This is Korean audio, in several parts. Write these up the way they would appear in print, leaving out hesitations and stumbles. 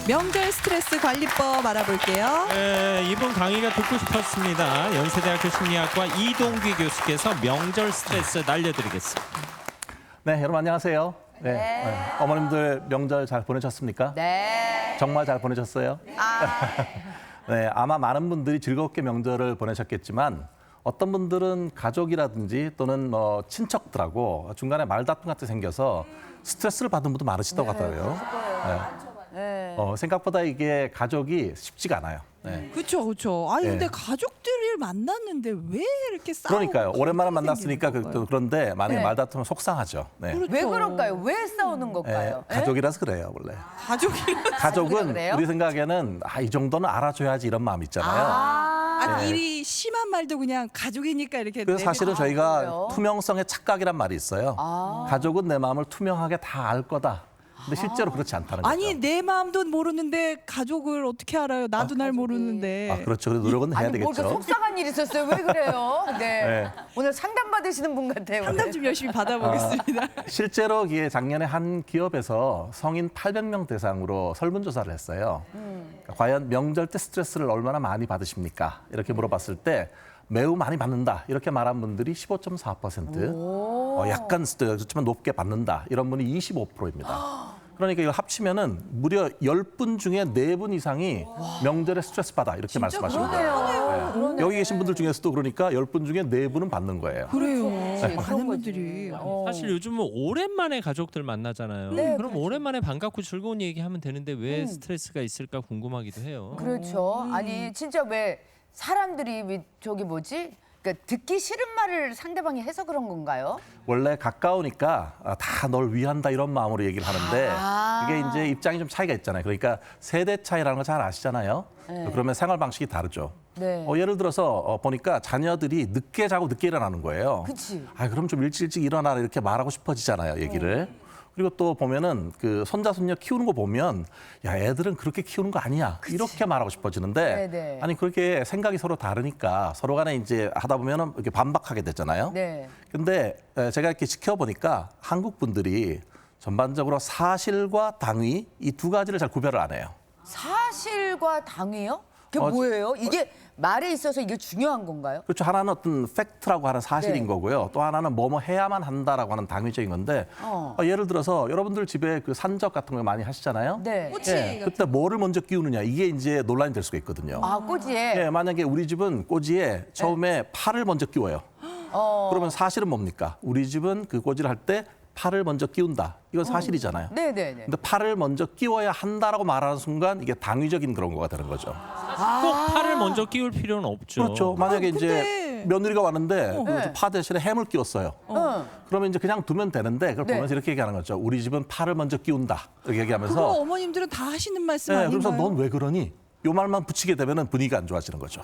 명절 스트레스 관리법 알아볼게요. 네, 이번 강의가 듣고 싶었습니다. 연세대학교 심리학과 이동규 교수께서 명절 스트레스 날려드리겠습니다. 네, 여러분 안녕하세요. 네. 어머님들 명절 잘 보내셨습니까? 네. 정말 잘 보내셨어요? 네, 아마 많은 분들이 즐겁게 명절을 보내셨겠지만 어떤 분들은 가족이라든지 또는 친척들하고 중간에 말다툼 같은 게 생겨서 스트레스를 받은 분도 많으시다고 하더라고요. 네. 생각보다 이게 가족이 쉽지가 않아요. 네. 그렇죠, 그렇죠. 아니 근데 네. 가족들이 만났는데 왜 이렇게 싸우고 그러니까요. 오랜만에 갈등이 만났으니까 생기는 걸까요? 그런데 만약에 네. 말다투면 속상하죠. 네. 그렇죠. 왜 그럴까요? 왜 싸우는 네, 걸까요? 가족이라서 그래요, 원래. 가족이 가족은 그래요? 우리 생각에는 이 정도는 알아줘야지 이런 마음 있잖아요. 네. 일이 심한 말도 그냥 가족이니까 이렇게 그래서 사실은 내뱉- 저희가 그래요? 투명성의 착각이란 말이 있어요. 가족은 내 마음을 투명하게 다 알 거다. 근데 실제로 그렇지 않다는 거죠. 아니 내 마음도 모르는데 가족을 어떻게 알아요? 나도 날 모르는데. 그렇죠. 그래도 노력은 해야 아니 뭐 되겠죠. 이렇게 속상한 일 있었어요? 왜 그래요? 네. 네. 오늘 상담 받으시는 분 같아요. 상담 좀 열심히 받아보겠습니다. 실제로 이게 작년에 한 기업에서 성인 800명 대상으로 설문조사를 했어요. 그러니까 과연 명절 때 스트레스를 얼마나 많이 받으십니까? 이렇게 물어봤을 때 매우 많이 받는다 이렇게 말한 분들이 15.4%, 약간 스트레스지만 높게 받는다 이런 분이 25%입니다. 그러니까 이걸 합치면은 무려 10분 중에 4분 이상이 명절에 스트레스 받아 이렇게 말씀하시는 거예요. 그러네요. 여기 계신 분들 중에서도 그러니까 10분 중에 4분은 받는 거예요. 그래요. 그런 많은 거지. 분들이. 사실 요즘은 오랜만에 가족들 만나잖아요. 네, 그럼 그렇죠. 오랜만에 반갑고 즐거운 얘기하면 되는데 왜 스트레스가 있을까 궁금하기도 해요. 그렇죠. 아니 진짜 왜 사람들이 저기 뭐지? 그러니까 듣기 싫은 말을 상대방이 해서 그런 건가요? 원래 가까우니까 다 널 위한다 이런 마음으로 얘기를 하는데 그게 이제 입장이 좀 차이가 있잖아요. 그러니까 세대 차이라는 거 잘 아시잖아요. 그러면 생활 방식이 다르죠. 네. 예를 들어서 보니까 자녀들이 늦게 자고 늦게 일어나는 거예요. 그치. 그럼 좀 일찍 일어나라 이렇게 말하고 싶어지잖아요, 얘기를. 그리고 또 보면은 그 손자 손녀 키우는 거 보면 야 애들은 그렇게 키우는 거 아니야 이렇게 말하고 싶어지는데 네네. 아니 그렇게 생각이 서로 다르니까 서로 간에 이제 하다 보면은 이렇게 반박하게 되잖아요. 네. 근데 제가 이렇게 지켜보니까 한국 분들이 전반적으로 사실과 당위 이 두 가지를 잘 구별을 안 해요. 사실과 당위요? 그게 뭐예요? 이게 말에 있어서 이게 중요한 건가요? 그렇죠. 하나는 어떤 팩트라고 하는 사실인 네. 거고요. 또 하나는 뭐뭐 해야만 한다라고 하는 당위적인 건데 예를 들어서 여러분들 집에 그 산적 같은 거 많이 하시잖아요. 네. 꼬치 그때 뭐를 먼저 끼우느냐 이게 이제 논란이 될 수가 있거든요. 꼬지에. 만약에 우리 집은 꼬지에 처음에 팔을 먼저 끼워요. 그러면 사실은 뭡니까? 우리 집은 그 꼬지를 할 때 팔을 먼저 끼운다. 이건 사실이잖아요. 네네네. 근데 팔을 먼저 끼워야 한다라고 말하는 순간 이게 당위적인 그런 거가 되는 거죠. 꼭 팔을 먼저 끼울 필요는 없죠. 그렇죠. 만약에 근데- 이제 며느리가 왔는데 그래서 파 대신에 햄을 끼웠어요. 그러면 이제 그냥 두면 되는데 그걸 네. 보면서 이렇게 얘기하는 거죠. 우리 집은 팔을 먼저 끼운다. 이렇게 그거 얘기하면서 어머님들은 다 하시는 말씀 아닌가요? 그래서 넌 왜 그러니? 요 말만 붙이게 되면은 분위기가 안 좋아지는 거죠.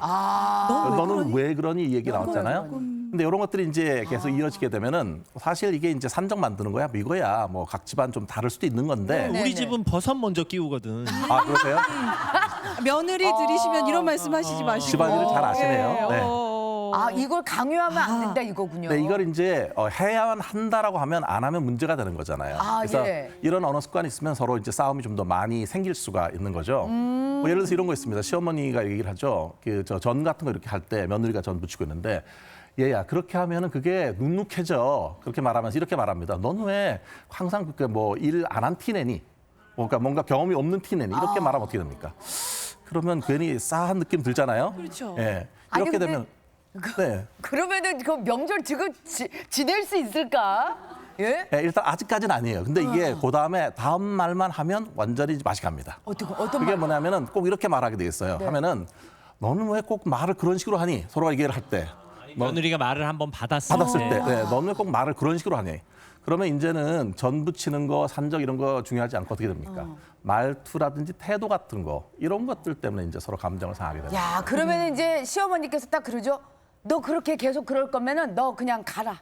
너는 왜 그러니 이 얘기 나왔잖아요. 근데 이런 것들이 이제 계속 이어지게 되면은 사실 이게 이제 산적 만드는 거야, 뭐 이거야. 뭐 각 집안 좀 다를 수도 있는 건데. 네. 우리 집은 버섯 먼저 끼우거든. 그러세요? 며느리 들이시면 이런 말씀하시지 마시고. 집안일을 잘 아시네요. 네. 이걸 강요하면 안 된다 이거군요. 네, 이걸 이제 해야만 한다라고 하면 안 하면 문제가 되는 거잖아요. 그래서 예. 이런 언어 습관이 있으면 서로 이제 싸움이 좀 더 많이 생길 수가 있는 거죠. 뭐 예를 들어서 이런 거 있습니다. 시어머니가 얘기를 하죠. 전 같은 거 이렇게 할 때 며느리가 전 부치고 있는데 얘야 그렇게 하면은 그게 눅눅해져. 그렇게 말하면서 이렇게 말합니다. 넌 왜 항상 그렇게 뭐 일 안 한 티 내니? 그러니까 뭔가 경험이 없는 티 내니? 이렇게 말하면 어떻게 됩니까? 그러면 괜히 싸한 느낌 들잖아요. 그렇죠. 예. 아니, 이렇게 근데 되면 네. 그러면은 그 명절 지낼 수 있을까? 예? 일단 아직까지는 아니에요. 근데 이게 그 다음 말만 하면 완전히 맛이 갑니다. 어떤 그게 말? 뭐냐면은 꼭 이렇게 말하게 되겠어요. 하면은 너는 왜 꼭 말을 그런 식으로 하니? 서로가 얘기를 할 때. 며느리가 말을 한번 받았을 받았을 때. 너는 왜 꼭 말을 그런 식으로 하니? 그러면 이제는 전 붙이는 거, 산적 이런 거 중요하지 않고 어떻게 됩니까? 말투라든지 태도 같은 거 이런 것들 때문에 이제 서로 감정을 상하게 됩니다. 야, 그러면 이제 시어머니께서 딱 그러죠. 너 그렇게 계속 그럴 거면은 너 그냥 가라.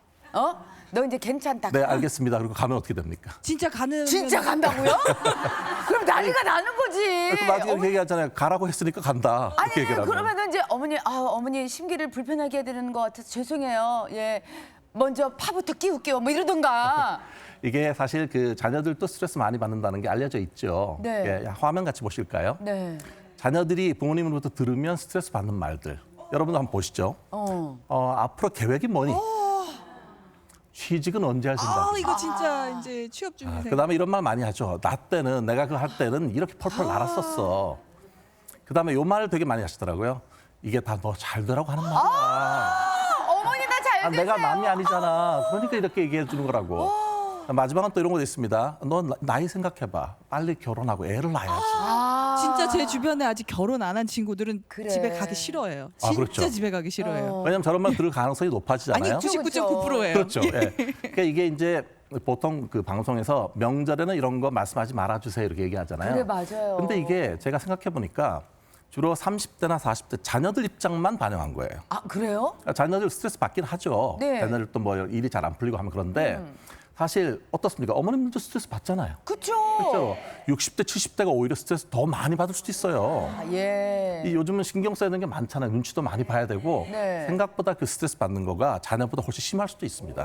너 이제 괜찮다. 네, 알겠습니다. 그리고 가면 어떻게 됩니까? 진짜 가는 진짜 간다고요? 그럼 난리가 나는 거지. 그 나중에 이렇게 얘기하잖아요. 가라고 했으니까 간다. 이렇게 아니 얘기를 하면. 그러면은 이제 어머니 심기를 불편하게 해드리는 것 같아서 죄송해요. 예. 먼저 파부터 끼울게요. 뭐 이러던가. 이게 사실 그 자녀들도 스트레스 많이 받는다는 게 알려져 있죠. 네. 예, 화면 같이 보실까요? 네. 자녀들이 부모님으로부터 들으면 스트레스 받는 말들. 여러분도 한번 보시죠. 앞으로 계획이 뭐니? 취직은 언제 할 생각? 아 이거 진짜 이제 취업 준비생. 그다음에 이런 말 많이 하죠. 나 때는 내가 그거 할 때는 이렇게 펄펄 날았었어. 그다음에 요 말을 되게 많이 하시더라고요. 이게 다 너 잘 되라고 하는 말이야. 어머니 나 잘 되세요. 내가 남이 아니잖아. 그러니까 이렇게 얘기해 주는 거라고. 마지막은 또 이런 것도 있습니다. 너 나이 생각해봐. 빨리 결혼하고 애를 낳아야지. 진짜 제 주변에 아직 결혼 안 한 친구들은 그래. 집에 가기 싫어해요. 아, 진짜 그렇죠. 집에 가기 싫어해요. 왜냐면 저런 말 들을 가능성이 높아지잖아요. 아니 99.9%예요. 그렇죠. 예. 그러니까 이게 이제 보통 그 방송에서 명절에는 이런 거 말씀하지 말아주세요 이렇게 얘기하잖아요. 그래 맞아요. 근데 이게 제가 생각해 보니까 주로 30대나 40대 자녀들 입장만 반영한 거예요. 아 그래요? 자녀들 스트레스 받긴 하죠. 네. 자녀들 또 뭐 일이 잘 안 풀리고 하면 그런데 사실 어떻습니까? 어머님들도 스트레스 받잖아요. 그쵸. 그렇죠. 60대, 70대가 오히려 스트레스 더 많이 받을 수도 있어요. 아, 예. 이 요즘은 신경 써야 되는 게 많잖아요. 눈치도 많이 봐야 되고 네. 생각보다 그 스트레스 받는 거가 자녀보다 훨씬 심할 수도 있습니다.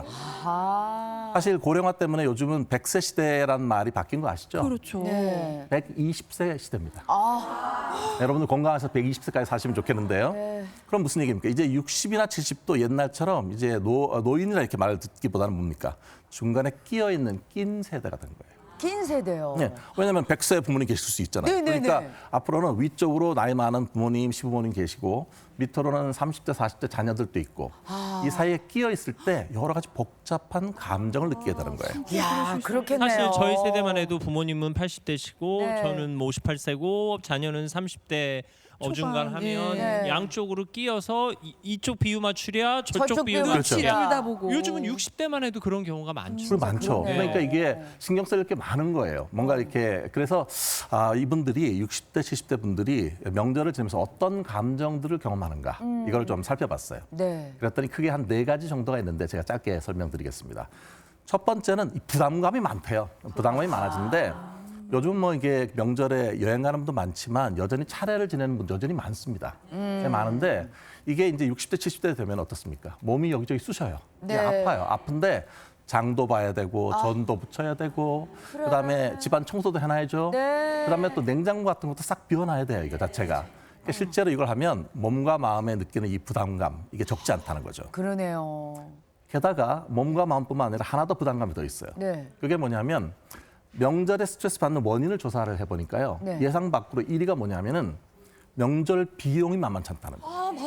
아. 사실 고령화 때문에 요즘은 100세 시대라는 말이 바뀐 거 아시죠? 그렇죠. 네. 120세 시대입니다. 아. 여러분들 건강해서 120세까지 사시면 좋겠는데요. 네. 그럼 무슨 얘기입니까? 이제 60이나 70도 옛날처럼 이제 노인이라 이렇게 말을 듣기보다는 뭡니까? 중간에 끼어 있는 낀 세대가 된 거예요. 긴 세대요. 네, 왜냐하면 100세 부모님 계실 수 있잖아요. 네네네. 그러니까 앞으로는 위쪽으로 나이 많은 부모님, 시부모님 계시고 밑으로는 30대, 40대 자녀들도 있고 이 사이에 끼어 있을 때 여러 가지 복잡한 감정을 느끼게 되는 거예요. 이야 그렇겠네요. 사실 저희 세대만 해도 부모님은 80대시고 네. 저는 뭐 58세고 자녀는 30대 어중간하면 네. 양쪽으로 끼어서 이쪽 비유 맞추랴 저쪽 저쪽 비유 비유 그렇죠. 맞추랴. 둘 다 보고. 요즘은 60대만 해도 그런 경우가 많죠. 술 많죠. 그러네. 그러니까 이게 신경 쓸 게 많은 거예요. 뭔가 이렇게 그래서 이분들이 60대, 70대 분들이 명절을 지내면서 어떤 감정들을 경험하는가 이걸 좀 살펴봤어요. 네. 그랬더니 크게 한 4가지 정도가 있는데 제가 짧게 설명드리겠습니다. 첫 번째는 이 부담감이 많대요. 부담감이 많아지는데 요즘 뭐 이게 명절에 여행 가는 분도 많지만 여전히 차례를 지내는 분도 여전히 많습니다. 꽤 많은데 이게 이제 60대, 70대 되면 어떻습니까? 몸이 여기저기 쑤셔요. 네. 아파요. 아픈데 장도 봐야 되고 전도 붙여야 되고 그다음에 집안 청소도 해놔야죠. 네. 그다음에 또 냉장고 같은 것도 싹 비워놔야 돼요. 이거 자체가. 그러니까 실제로 이걸 하면 몸과 마음에 느끼는 이 부담감 이게 적지 않다는 거죠. 그러네요. 게다가 몸과 마음뿐만 아니라 하나 더 부담감이 더 있어요. 네. 그게 뭐냐면 명절에 스트레스 받는 원인을 조사를 해보니까요. 네. 예상 밖으로 1위가 뭐냐면은 명절 비용이 만만치 않다는 거예요.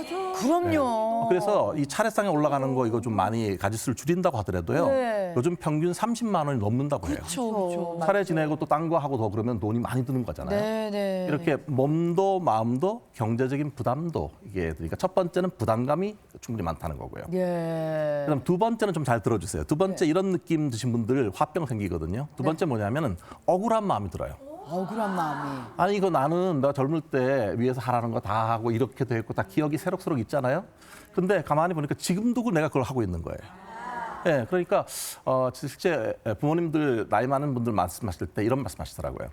그럼요. 그래서 이 차례상에 올라가는 거 이거 좀 많이 가짓수를 줄인다고 하더라도요. 네. 요즘 평균 30만 원이 넘는다고 해요. 그렇죠. 그렇죠. 차례 지내고 또 딴 거 하고 더 그러면 돈이 많이 드는 거잖아요. 네네. 이렇게 몸도 마음도 경제적인 부담도 이게 그러니까 첫 번째는 부담감이 충분히 많다는 거고요. 예. 그다음 두 번째는 좀 잘 들어주세요. 두 번째 이런 느낌 드신 분들 화병 생기거든요. 두 번째 뭐냐면은 억울한 마음이 들어요. 억울한 마음이. 아니 이거 나는 내가 젊을 때 위에서 하라는 거 다 하고 이렇게도 했고 다 기억이 새록새록 있잖아요. 근데 가만히 보니까 지금도 내가 그걸 하고 있는 거예요. 예, 그러니까 실제 부모님들 나이 많은 분들 말씀하실 때 이런 말씀하시더라고요.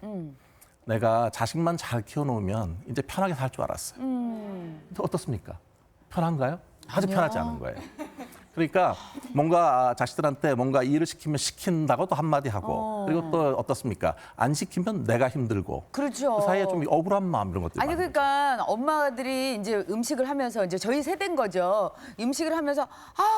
내가 자식만 잘 키워놓으면 이제 편하게 살 줄 알았어요. 근데 어떻습니까? 편한가요? 아주 편하지 않은 거예요. 그러니까 뭔가 자식들한테 뭔가 일을 시키면 시킨다고 또 한마디 하고 그리고 또 어떻습니까? 안 시키면 내가 힘들고 그렇죠. 그 사이에 좀 억울한 마음 이런 것들이 아니 많아요. 그러니까 엄마들이 이제 음식을 하면서 이제 저희 세대인 거죠. 음식을 하면서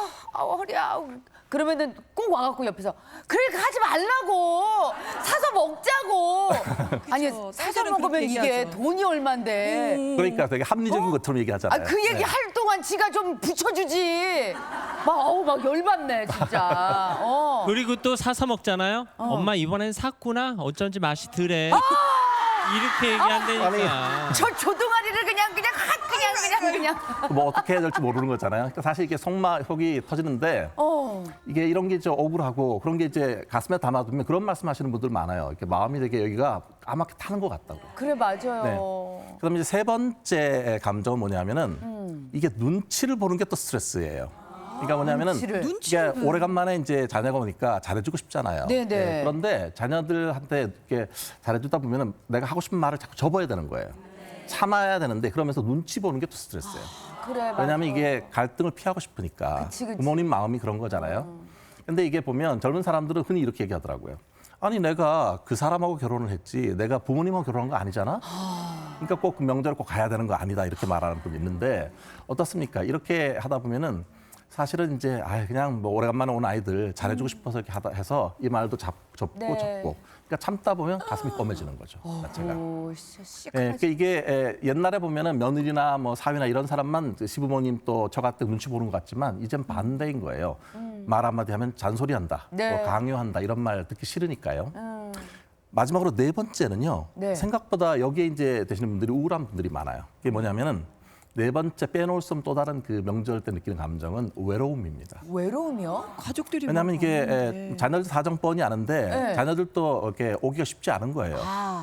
허리야. 그러면은 꼭 와갖고 옆에서 그러니까 하지 말라고 사서 먹자고. 아니 사서 사실은 먹으면 그렇게 이게 얘기하죠. 돈이 얼만데. 그러니까 되게 합리적인 것처럼 얘기하잖아요. 그 얘기 네. 할 동안 지가 좀 붙여주지. 막 열받네 진짜. 그리고 또 사서 먹잖아요. 엄마 이번엔 샀구나. 어쩐지 맛이 덜해. 이렇게 얘기한다니까. 저 조동아리를 그냥 뭐 어떻게 해야 될지 모르는 거잖아요. 그러니까 사실 이게 속이 터지는데 이게 이런 게 억울하고 그런 게 이제 가슴에 담아두면 그런 말씀하시는 분들 많아요. 이렇게 마음이 되게 여기가 까맣게 타는 것 같다고. 그래 맞아요. 네. 그다음에 이제 세 번째 감정은 뭐냐면은 이게 눈치를 보는 게 또 스트레스예요. 그러니까 뭐냐면은 눈치를. 이게 오래간만에 이제 자녀가 오니까 잘해주고 싶잖아요. 네네. 그런데 자녀들한테 이렇게 잘해주다 보면은 내가 하고 싶은 말을 자꾸 접어야 되는 거예요. 참아야 되는데 그러면서 눈치 보는 게 또 스트레스예요. 그래, 맞아. 왜냐하면 이게 갈등을 피하고 싶으니까 그치. 부모님 마음이 그런 거잖아요. 근데 이게 보면 젊은 사람들은 흔히 이렇게 얘기하더라고요. 아니 내가 그 사람하고 결혼을 했지 내가 부모님하고 결혼한 거 아니잖아. 그러니까 꼭 명절에 꼭 가야 되는 거 아니다 이렇게 말하는 분이 있는데 어떻습니까? 이렇게 하다 보면은 사실은 이제 그냥 뭐 오래간만에 온 아이들 잘해주고 싶어서 이렇게 하다 해서 이 말도 접고 네. 접고 그러니까 참다 보면 가슴이 검해지는 거죠. 자체가. 오, 씨, 예, 그러니까 이게 옛날에 보면은 며느리나 뭐 사위나 이런 사람만 그 시부모님 또 저 같은 눈치 보는 것 같지만 이젠 반대인 거예요. 말 한마디 하면 잔소리한다, 네. 또 강요한다 이런 말 듣기 싫으니까요. 마지막으로 네 번째는요. 네. 생각보다 여기에 이제 되시는 분들이 우울한 분들이 많아요. 그게 뭐냐면은 네 번째 빼놓을 수 없는 또 다른 그 명절 때 느끼는 감정은 외로움입니다. 외로움이요? 가족들이 왜냐하면 막 이게 왔는데. 자녀들 사정 뻔히 아는데 네. 자녀들도 이렇게 오기가 쉽지 않은 거예요.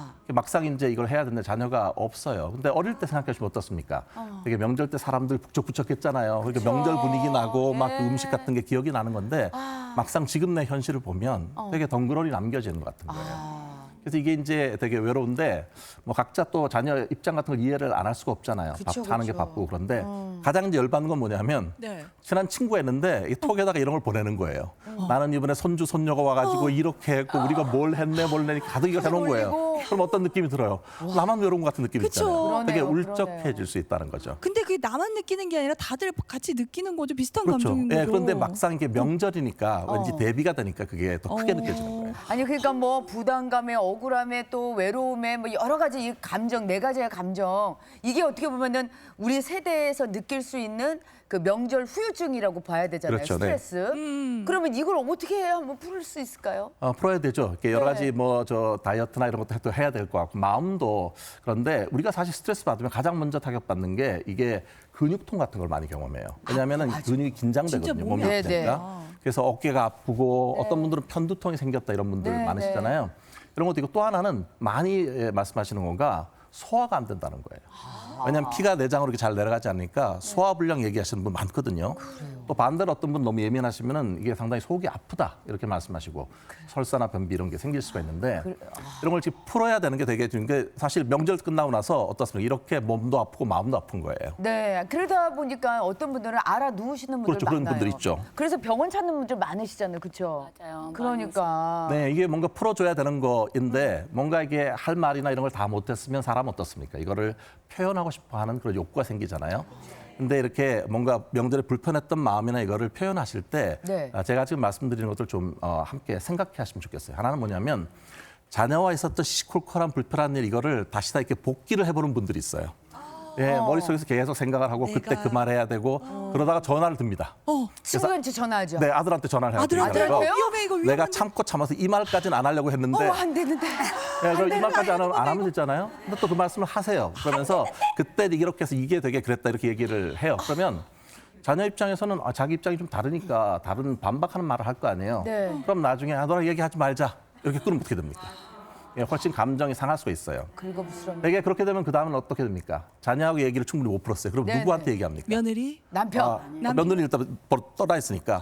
막상 이제 이걸 해야 되는데 자녀가 없어요. 근데 어릴 때 생각하시면 어떻습니까? 되게 명절 때 사람들 북적북적했잖아요. 그러니까 명절 분위기 나고 막 그 음식 같은 게 기억이 나는 건데 막상 지금 내 현실을 보면 되게 덩그러니 남겨지는 것 같은 거예요. 그래서 이게 이제 되게 외로운데 뭐 각자 또 자녀 입장 같은 걸 이해를 안 할 수가 없잖아요. 그쵸, 밥 하는 게 그쵸. 바쁘고 그런데 가장 이제 열받는 건 뭐냐면 네. 친한 친구가 있는데 이 톡에다가 이런 걸 보내는 거예요. 나는 이번에 손주 손녀가 와가지고 이렇게 했고 우리가 뭘 했네 가득 이걸 해놓은 거예요. 올리고. 그럼 어떤 느낌이 들어요? 나만 외로운 것 같은 느낌이 그쵸. 있잖아요. 되게 그러네요, 울적해질 수 있다는 거죠. 근데 그게 나만 느끼는 게 아니라 다들 같이 느끼는 거죠. 비슷한 그렇죠. 감정인 예, 거죠. 그런데 막상 이게 명절이니까 왠지 대비가 되니까 그게 더 크게 느껴지는 거예요. 아니 그러니까 뭐 부담감에 억울함에 또 외로움에 뭐 여러 가지 이 감정 네 가지의 감정 이게 어떻게 보면은 우리 세대에서 느낄 수 있는 그 명절 후유증이라고 봐야 되잖아요. 그렇죠, 네. 스트레스. 그러면 이걸 어떻게 해야 한번 풀 수 있을까요? 풀어야 되죠. 이렇게 여러 네. 가지 뭐 저 다이어트나 이런 것도 해야 될 것 같고 마음도 그런데 우리가 사실 스트레스 받으면 가장 먼저 타격받는 게 이게 근육통 같은 걸 많이 경험해요. 왜냐하면 근육이 긴장되거든요. 진짜 몸이 몸이 아프니까. 아프니까. 그래서 어깨가 아프고 어떤 분들은 편두통이 생겼다 이런 분들 네, 많으시잖아요. 이런 것도 있고 또 하나는 많이 말씀하시는 건가 소화가 안 된다는 거예요. 왜냐하면 피가 내장으로 이렇게 잘 내려가지 않으니까 소화불량 얘기하시는 분 많거든요. 또 반대로 어떤 분 너무 예민하시면은 이게 상당히 속이 아프다 이렇게 말씀하시고 설사나 변비 이런 게 생길 수가 있는데 이런 걸 지금 풀어야 되는 게 되게 중요한 게 사실 명절 끝나고 나서 어떻습니까? 이렇게 몸도 아프고 마음도 아픈 거예요. 네, 그러다 보니까 어떤 분들은 알아 누우시는 분들 그렇죠, 그런 많아요. 분들 있죠. 그래서 병원 찾는 분들 많으시잖아요, 그렇죠? 맞아요. 그러니까 네, 이게 뭔가 풀어줘야 되는 거인데 뭔가 이게 할 말이나 이런 걸 다 못했으면 사람 어떻습니까? 이거를 표현하고 싶어하는 그런 욕구가 생기잖아요. 근데 이렇게 뭔가 명절에 불편했던 마음이나 이거를 표현하실 때 네. 제가 지금 말씀드리는 것들 좀 함께 생각해 하시면 좋겠어요. 하나는 뭐냐면 자녀와 있었던 시시콜콜한 불편한 일 이거를 다시 다 이렇게 복기를 해보는 분들이 있어요. 예, 머릿속에서 계속 생각을 하고 그때 그 말 해야 되고 그러다가 전화를 듭니다. 친구한테 전화하죠. 네, 아들한테 전화를 해요. 아들한테요? 위험해 이거 위험해. 내가 참고 참아서 이 말까지는 안 하려고 했는데 안 되는데. 네, 그럼 이 말까지 안 하면 되잖아요. 근데 또 그 말씀을 하세요. 그러면서 그때 이렇게 해서 이게 되게 그랬다 이렇게 얘기를 해요. 그러면 자녀 입장에서는 자기 입장이 좀 다르니까 다른 반박하는 말을 할 거 아니에요. 네. 그럼 나중에 너랑 얘기하지 말자 이렇게 끊으면 어떻게 됩니까? 예, 훨씬 감정이 상할 수가 있어요. 긁어부스럼. 되게 그렇게 되면 그 다음은 어떻게 됩니까? 자녀하고 얘기를 충분히 못 풀었어요. 그럼 네, 누구한테 네. 얘기합니까? 며느리 남편. 며느리 일단 떠나 있으니까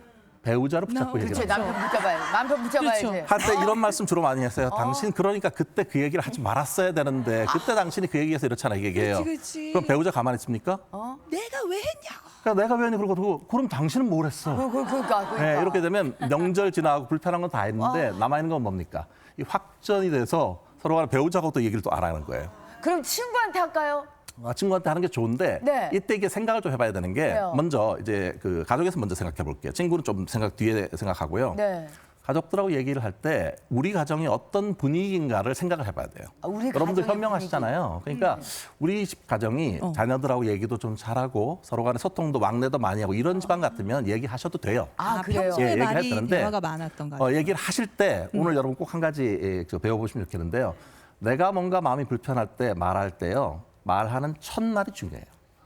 배우자를 붙잡고 그렇죠. 얘기를 하죠. 남편 붙잡아야 남편 붙잡아야지. 그렇죠. 한때 이런 말씀 주로 많이 했어요. 당신 그러니까 그때 그 얘기를 하지 말았어야 되는데 그때 당신이 그 얘기해서 이렇잖아 이 얘기해요. 그렇지. 그럼 배우자 가만히 있습니까? 내가 왜 했냐고. 그러니까 내가 왜 했니? 그러고 그럼 당신은 뭘 했어? 그러니까. 네, 이렇게 되면 명절 지나고 불편한 건 다 했는데 남아있는 건 뭡니까? 이 확전이 돼서 서로 간에 배우자하고 또 얘기를 또 안 하는 거예요. 그럼 친구한테 할까요? 친구한테 하는 게 좋은데 네. 이때 이게 생각을 좀 해봐야 되는 게 왜요? 먼저 이제 그 가족에서 먼저 생각해 볼게요. 친구는 좀 뒤에 생각하고요. 네. 가족들하고 얘기를 할 때 우리 가정이 어떤 분위기인가를 생각을 해봐야 돼요. 우리 여러분들 가정의 현명하시잖아요. 그러니까 우리 집 가정이 자녀들하고 얘기도 좀 잘하고 서로 간에 소통도 왕래도 많이 하고 이런 집안 같으면 얘기하셔도 돼요. 그래요. 평소에 예, 얘기할 말이 때는데, 대화가 많았던 거. 얘기를 하실 때 오늘 여러분 꼭 한 가지 배워보시면 좋겠는데요. 내가 뭔가 마음이 불편할 때 말할 때요. 말하는 첫말이 중요해요.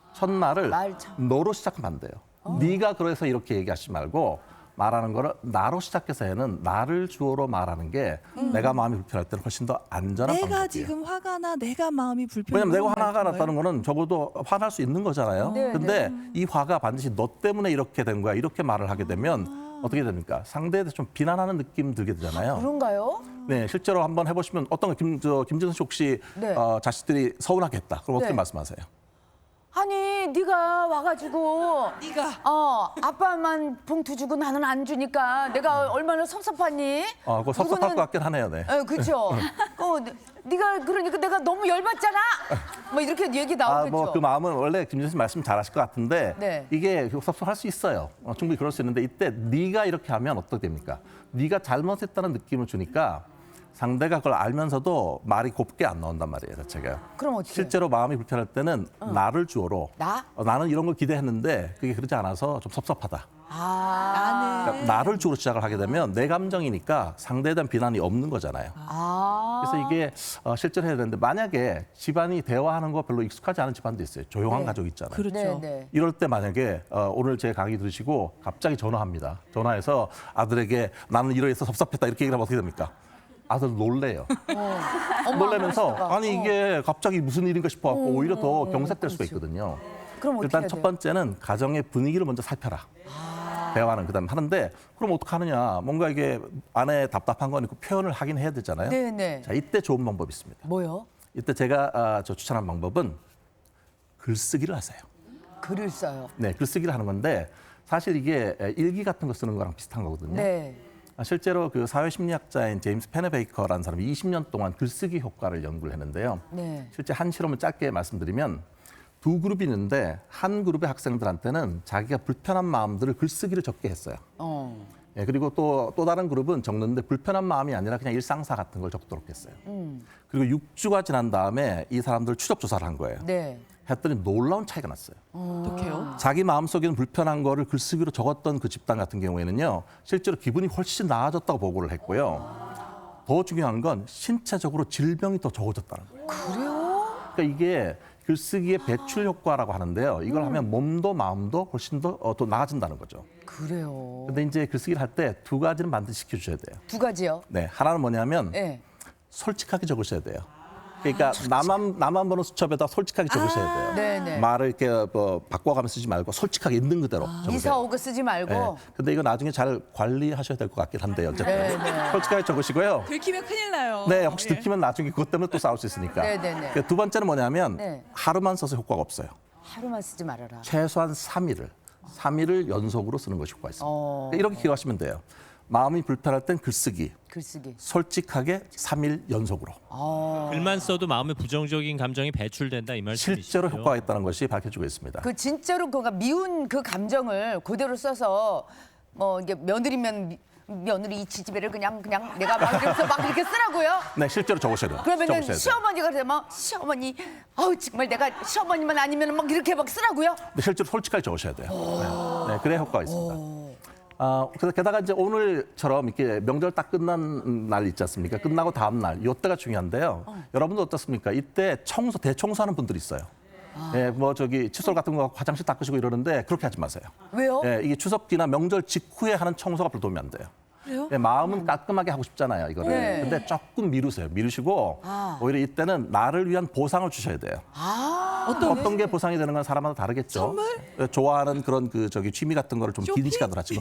첫말을 말 참. 너로 시작하면 안 돼요. 네가 그래서 이렇게 얘기하지 말고 말하는 거를 나로 시작해서 해는 나를 주어로 말하는 게 내가 마음이 불편할 때는 훨씬 더 안전한 내가 방법이에요. 지금 화가 나 내가 마음이 불편해. 왜냐면 내가 화가 났다는 거는 적어도 화날 수 있는 거잖아요. 네, 근데 이 화가 반드시 너 때문에 이렇게 된 거야. 이렇게 말을 하게 되면 어떻게 됩니까? 상대에 대해서 좀 비난하는 느낌 들게 되잖아요. 그런가요? 네, 실제로 한번 해보시면 어떤 거 김진선 씨 혹시 네. 자식들이 서운하겠다. 그럼 어떻게 네. 말씀하세요? 아니 네가 와가지고 네가 아빠만 봉투 주고 나는 안 주니까 내가 얼마나 섭섭하니? 그거 섭섭할 것 같긴 하네요. 네. 그렇죠. 네가 그러니까 내가 너무 열받잖아. 뭐 이렇게 얘기 나오겠죠. 뭐 그 마음은 원래 김진선 씨 말씀 잘하실 것 같은데 네. 이게 섭섭할 수 있어요. 충분히 그럴 수 있는데 이때 네가 이렇게 하면 어떻게 됩니까? 네가 잘못했다는 느낌을 주니까 상대가 그걸 알면서도 말이 곱게 안 나온단 말이에요, 자체가. 그럼 어떻게? 실제로 마음이 불편할 때는 나를 주어로 나? 나는 이런 걸 기대했는데 그게 그렇지 않아서 좀 섭섭하다. 나는 그러니까 나를 주로 시작을 하게 되면 내 감정이니까 상대에 대한 비난이 없는 거잖아요. 그래서 이게 실제로 해야 되는데 만약에 집안이 대화하는 거 별로 익숙하지 않은 집안도 있어요. 조용한 네. 가족 있잖아요. 그렇죠. 네. 이럴 때 만약에 오늘 제 강의 들으시고 갑자기 전화합니다. 전화해서 아들에게 나는 이러해서 섭섭했다 이렇게 얘기를 하면 어떻게 됩니까? 아들 놀래요. 놀라면서 아니 이게 갑자기 무슨 일인가 싶어갖고 오히려 더 경색될 수가 있거든요. 그럼 어떻게 일단 해야 첫 돼요? 번째는 가정의 분위기를 먼저 살펴라. 대화는 그다음 하는데 그럼 어떡하느냐? 뭔가 이게 안에 답답한 건 있고 표현을 하긴 해야 되잖아요. 네네. 자 이때 좋은 방법이 있습니다. 뭐요? 이때 제가 추천한 방법은 글쓰기를 하세요. 글을 써요. 네, 글쓰기를 하는 건데 사실 이게 일기 같은 거 쓰는 거랑 비슷한 거거든요. 네. 실제로 그 사회심리학자인 제임스 페네베이커라는 사람이 20년 동안 글쓰기 효과를 연구를 했는데요. 네. 실제 한 실험을 짧게 말씀드리면 두 그룹이 있는데 한 그룹의 학생들한테는 자기가 불편한 마음들을 글쓰기를 적게 했어요. 예, 그리고 또 다른 그룹은 적는데 불편한 마음이 아니라 그냥 일상사 같은 걸 적도록 했어요. 그리고 6주가 지난 다음에 이 사람들 추적 조사를 한 거예요. 네. 했더니 놀라운 차이가 났어요. 어떡해요? 자기 마음속에는 불편한 거를 글쓰기로 적었던 그 집단 같은 경우에는요. 실제로 기분이 훨씬 나아졌다고 보고를 했고요. 더 중요한 건 신체적으로 질병이 더 적어졌다는 거예요. 그래요? 그러니까 이게 글쓰기의 배출 효과라고 하는데요. 이걸 하면 몸도 마음도 훨씬 더 나아진다는 거죠. 그래요. 근데 이제 글쓰기를 할 때 두 가지는 반드시 시켜주셔야 돼요. 두 가지요? 네, 하나는 뭐냐면 네. 솔직하게 적으셔야 돼요. 그러니까 나만 보는 수첩에다 솔직하게 적으셔야 돼요. 네네. 말을 이렇게 바꿔가면서 쓰지 말고 솔직하게 있는 그대로 적으세요. 이사오고 쓰지 말고. 네. 근데 이거 나중에 잘 관리하셔야 될 것 같긴 한데요. 어쨌든 네. 솔직하게 적으시고요. 들키면 큰일 나요. 네, 혹시 예. 들키면 나중에 그것 때문에 또 싸울 수 있으니까. 네네네. 그두 번째는 뭐냐면 네. 하루만 써서 효과가 없어요. 하루만 쓰지 말아라. 최소한 3일을 연속으로 쓰는 것이 효과가 있습니다. 어. 그러니까 이렇게 기억하시면 돼요. 마음이 불편할 땐 글쓰기, 글쓰기. 솔직하게 3일 연속으로. 글만 써도 마음에 부정적인 감정이 배출된다 이 말씀이시죠? 실제로 효과가 있다는 것이 밝혀지고 있습니다. 그 진짜로 그가 미운 그 감정을 그대로 써서 뭐 이게 며느리면 며느리 이 지지배를 그냥 내가 막 이렇게 쓰라고요? 네, 실제로 적으셔야 돼요. 그러면은 적으셔야 돼요. 시어머니가 되면 시어머니 아우 정말 내가 시어머니만 아니면 막 이렇게 막 쓰라고요? 근데 실제로 솔직하게 적으셔야 돼요. 네, 그래야 효과가 있습니다. 그래서 게다가 이제 오늘처럼 이렇게 명절 딱 끝난 날 있지 않습니까? 끝나고 다음 날, 이때가 중요한데요. 여러분들 어떻습니까? 이때 대청소하는 분들이 있어요. 예, 뭐 칫솔 같은 거 화장실 닦으시고 이러는데 그렇게 하지 마세요. 왜요? 예, 이게 추석기나 명절 직후에 하는 청소가 별로 도움이 안 돼요. 그래요? 예, 마음은 깔끔하게 하고 싶잖아요, 이거를. 네. 근데 조금 미루세요. 미루시고 오히려 이때는 나를 위한 보상을 주셔야 돼요. 어떤 게 보상이 되는 건 사람마다 다르겠죠. 선물? 예, 좋아하는 그런 취미 같은 거를 좀 긴 쇼핑? 시간으로 하시고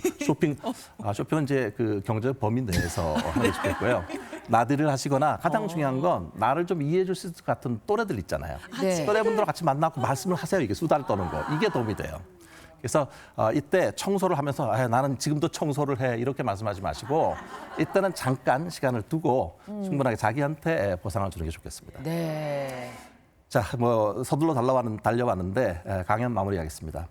쇼핑은 이제 그 경제적 범위 내에서 하는 게 좋겠고요. 나들이를 하시거나 가장 중요한 건 나를 좀 이해해 줄 수 있을 것 같은 또래들 있잖아요. 네. 또래분들과 같이 만나고 말씀을 하세요. 이게 수다를 떠는 거. 이게 도움이 돼요. 그래서 이때 청소를 하면서 나는 지금도 청소를 해 이렇게 말씀하지 마시고 이때는 잠깐 시간을 두고 충분하게 자기한테 보상을 주는 게 좋겠습니다. 네. 자, 뭐 서둘러 달려왔는데 강연 마무리하겠습니다.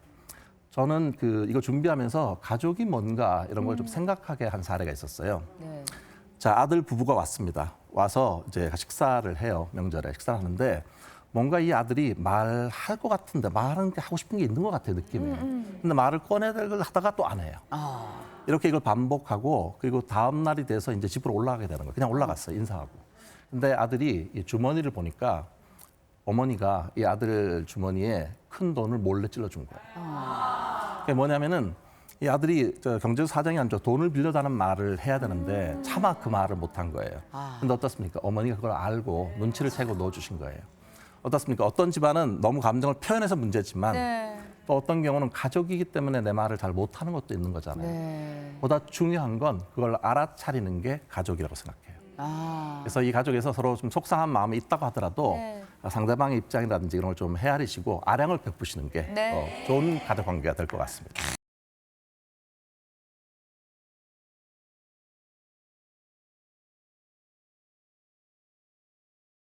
저는 이거 준비하면서 가족이 뭔가 이런 걸 좀 생각하게 한 사례가 있었어요. 네. 자, 아들 부부가 왔습니다. 와서 이제 식사를 해요. 명절에 식사를 하는데 뭔가 이 아들이 말할 것 같은데 말하는 게 하고 싶은 게 있는 것 같아요, 느낌이. 근데 말을 꺼내들고 하다가 또 안 해요. 이렇게 이걸 반복하고 그리고 다음 날이 돼서 이제 집으로 올라가게 되는 거예요. 그냥 올라갔어요, 인사하고. 근데 아들이 이 주머니를 보니까 어머니가 이 아들 주머니에 큰 돈을 몰래 찔러준 거예요. 그게 뭐냐면은 이 아들이 경제 사정이 안 좋아 돈을 빌려다는 말을 해야 되는데 차마 그 말을 못한 거예요. 근데 어떻습니까? 어머니가 그걸 알고 눈치를 채고 넣어주신 거예요. 어떻습니까? 어떤 집안은 너무 감정을 표현해서 문제지만 네. 또 어떤 경우는 가족이기 때문에 내 말을 잘 못하는 것도 있는 거잖아요. 네. 보다 중요한 건 그걸 알아차리는 게 가족이라고 생각해요. 아. 그래서 이 가족에서 서로 좀 속상한 마음이 있다고 하더라도 네. 상대방의 입장이라든지 이런 걸 좀 헤아리시고 아량을 베푸시는 게 네. 좋은 가족 관계가 될 것 같습니다.